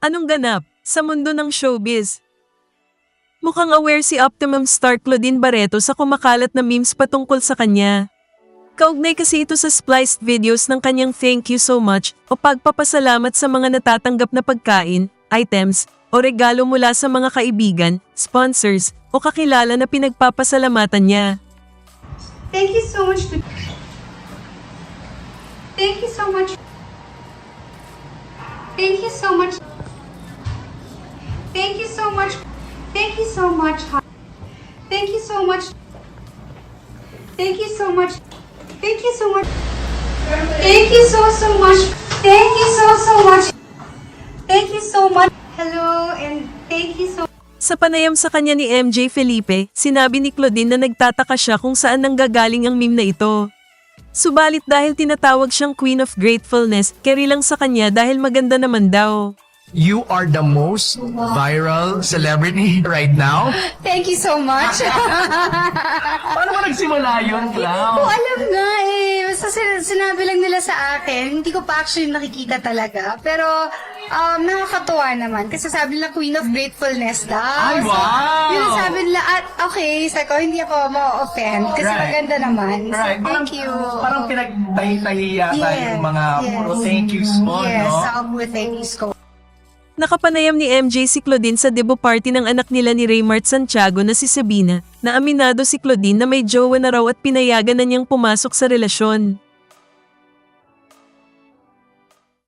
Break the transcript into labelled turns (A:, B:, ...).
A: Anong ganap sa mundo ng showbiz? Mukhang aware si Optimum star Claudine Barreto sa kumakalat na memes patungkol sa kanya. Kaugnay kasi ito sa spliced videos ng kanyang thank you so much o pagpapasalamat sa mga natatanggap na pagkain, items, o regalo mula sa mga kaibigan, sponsors, o kakilala na pinagpapasalamatan niya.
B: Thank you so much. Thank you so much. Thank you so much. Thank you so much. Thank you so much. Thank you so much. Thank you so much. Thank you so much. Thank you so much. Thank you so much. Thank you so much. Hello and thank you so
A: Sa panayam sa kanya ni MJ Felipe, sinabi ni Claudine na nagtataka siya kung saan nanggagaling ang meme na ito. Subalit dahil tinatawag siyang Queen of Gratefulness, carry lang sa kanya dahil maganda naman daw.
C: You are the most viral celebrity right now.
B: Thank you so much.
C: Paano ba nagsimula yun,
B: Ko
C: Clau?
B: alam nga eh. Basta sinabi lang nila sa akin. Hindi ko pa actually nakikita talaga. Pero nakakatuwa naman. Kasi sabi nila Queen of Gratefulness daw.
C: Ay, wow!
B: So, yun ang sabi nila. At okay, sabi ko, hindi ako ma-offend. Kasi
C: Right.
B: maganda naman. So,
C: Right.
B: thank you.
C: Parang pinagtahi-tahi yata
B: Yeah.
C: yung mga puro thank yous mo,
B: Yes,
C: no?
B: sa with thank yous ko.
A: Nakapanayam ni MJ si Claudine sa debut party ng anak nila ni Raymart Santiago na si Sabina, na aminado si Claudine na may jowa na raw at pinayagan na niyang pumasok sa relasyon.